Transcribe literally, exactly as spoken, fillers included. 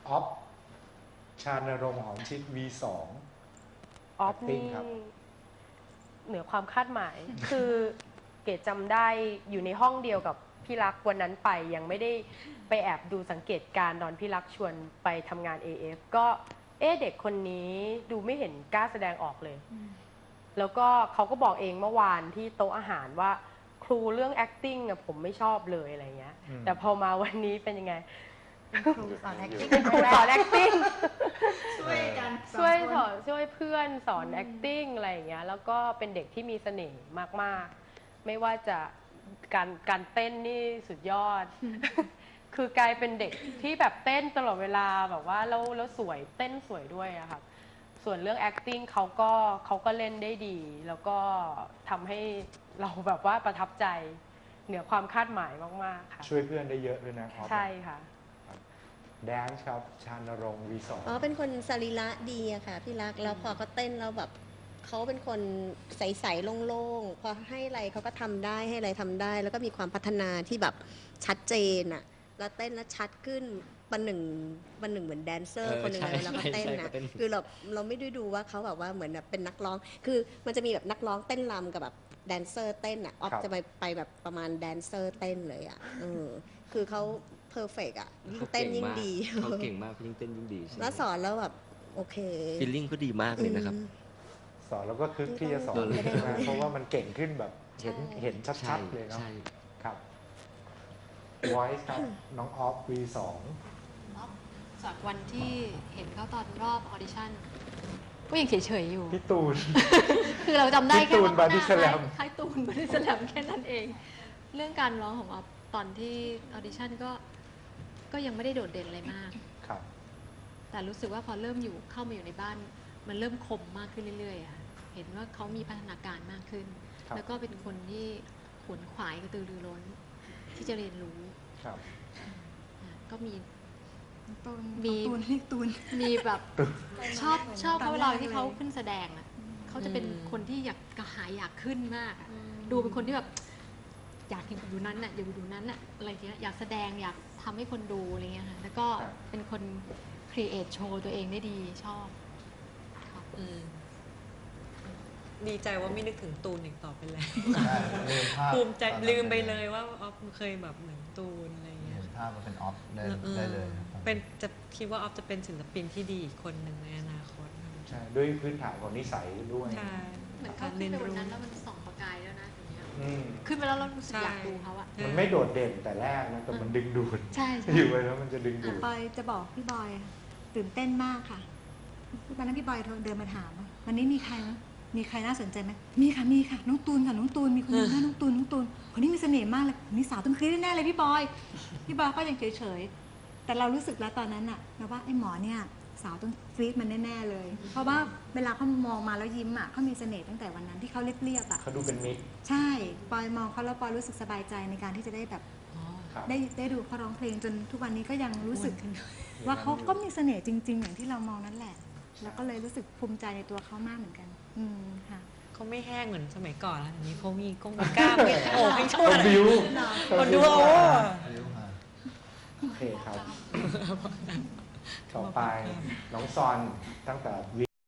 ออฟชานรงค์หอมชิด วี สองออฟนี่เหนือความคาดหมาย คือเกดจำได้อยู่ในห้องเดียวกับพี่รักวันนั้นไปยังไม่ได้ไปแอบดูสังเกตการณ์ตอนพี่รักชวนไปทำงาน เอ เอฟ ก็เอ๊ะเด็กคนนี้ดูไม่เห็นกล้าแสดงออกเลย แล้วก็เขาก็บอกเองเมื่อวานที่โต๊ะอาหารว่าครูเรื่อง acting อะผมไม่ชอบเลยอะไรเงี้ยแต่พอมาวันนี้เป็นยังไงครูสอน acting เป็นครูสอน acting ช่วยกันช่วยสอนช่วยเพื่อนสอน acting อะไรอย่างเงี้ยแล้วก็เป็นเด็กที่มีเสน่ห์มากๆไม่ว่าจะการการเต้นนี่สุดยอด คือกลายเป็นเด็กที่แบบเต้นตลอดเวลาแบบว่าแล้วแล้วสวยเต้นสวยด้วยอะค่ะส่วนเรื่อง acting เขาก็เขาก็เล่นได้ดี แล้วก็ทำให้เราแบบว่าประทับใจเหนือความคาดหมายมากๆค่ะช่วยเพื่อนได้เยอะด้วยนะออฟใช่ค่ะแดนซ์ครับชานรงค์ วี สองอ๋อเป็นคนสรีระดีอะค่ะพี่รักแล้วพอเขาเต้นแล้วแบบเขาเป็นคนใสๆโล่งๆพอให้อะไรเขาก็ทำได้ให้อะไรทำได้ แล้วก็มีความพัฒนาที่แบบชัดเจนอะแล้วเต้นแล้วชัดขึ้นปันหนึ่งปันหนึ่งเหมือนแดนเซอร์คนหนึ่งเลยแล้วก็เต้นนะคือเราเราไม่ได้ดูว่าเขาแบบว่าเหมือนแบบเป็นนักร้องคือมันจะมีแบบนักร้องเต้นรำกับแบบแดนเซอร์เต้นอะออฟจะไปไปแบบประมาณแดนเซอร์เต้นเลยอะเออคือเขาเพอร์เฟกต์อะยิ่งเต้นยิ่งดีเขาเก่งมากยิ่งเต้นยิ่งดีแล้วสอนแล้วแบบโอเคฟีลลิ่งก็ดีมากเลยนะครับสอนแล้วก็คึกที่จะสอนใช่ไหมเพราะว่ามันเก่งขึ้นแบบเห็นเห็นชัดๆเลยเนาะครับ Voice ครับน้องออฟ วี สองจากวันที่เห็นเขาตอนรอบออดิชั่นก็ยังเฉยๆอยู่พี่ตูนคือเราจำได้แค่พี่ตูนบอดี้สแลมคล้ายตูนบอดี้สแลมแค่นั้นเอง เรื่องการร้องของออฟตอนที่ออดิชั่นก็ก็ยังไม่ได้โดดเด่นอะไรมากครับแต่รู้สึกว่าพอเริ่มอยู่เข้ามาอยู่ในบ้านมันเริ่มคมมากขึ้นเรื่อยๆอะเห็นว่าเขามีพัฒนาการมากขึ้น แล้วก็เป็นคนที่ขวนขวายกระตือรือร้นที่จะเรียนรู้ครับก็มีตูนมีตูนเรียกตูนมีแบบชอบชอบเขาเวลาที่เขาขึ้นแสดงอ่ะเขาจะเป็นคนที่อยากกระหายอยากขึ้นมากอะดูเป็นคนที่แบบอยากอยู่นั้นน่ะอยากอยู่นั้นน่ะอะไรเงี้ยอยากแสดงอยากทำให้คนดูอะไรเงี้ยค่ะแล้วก็เป็นคนครีเอทโชว์ตัวเองได้ดีชอบดีใจว่าไม่นึกถึงตูนอีกต่อไปแล้วลืมภาพภูมิใจลืมไปเลยว่าออฟเคยแบบเหมือนตูนอะไรเงี้ยภาพมันเป็นออฟได้ได้เลยเป็นจะคิดว่าออฟจะเป็นศิลปินที่ดีอีกคนหนึ่งในอนาคตใช่ด้วยพื้นฐานของนิสัยด้วยใช่เหมือนเขาขึ้นไปวันนั้นแล้วมันส่องประกายแล้วนะอย่างเงี้ยอืมขึ้นไปแล้วเรารู้สึกอยากดูเขาอะมันไม่โดดเด่นแต่แรกนะแต่มันดึงดูดใช่ใช่อยู่ไปแล้วมันจะดึงดูดปอยจะบอกพี่บอยตื่นเต้นมากค่ะวันนั้นพี่บอยเดินมาถามว่าวันนี้มีใครไหมมีใครน่าสนใจไหมมีค่ะมีค่ะน้องตูนค่ะน้องตูนมีคนนึงค่ะน้องตูนน้องตูนคนนี้มีเสน่ห์มากเลยนี่สาวต้องคลิกแน่เลยพี่บอยพี่บอยก็ยังเฉยๆแต่เรารู้สึกแล้วตอนนั้นอะนะว่าไอ้หมอเนี่ยสาวต้องฟรีดมันแน่ๆเลย เพราะว่าเวลาเขามองมาแล้วยิ้มอะเขามีเสน่ห์ตั้งแต่วันนั้นที่เขาเรียบๆอะเขาดูเป็นมิตรใช่ปอยมองเขาแล้วปอยรู้สึกสบายใจในการที่จะได้แบบครับได้ได้ดูเขาร้องเพลงจนทุกวันนี้ก็ยังรู้สึกว่าเขาก็มีเสน่ห์จริง ๆ อย่างที่เรามองนั่นแหละ แล้วก็เลยรู้สึกภูมิใจในตัวเขามากเหมือนกัน อืมค่ะเขาไม่แห้งเหมือนสมัยก่อนแล้วอันนี้เขามีกงมีกล้ามมีโอ้ให้ช่วยคนบิวคนดูโอ้โอเคครับ ต่อไปน้องซอนตั้งแต่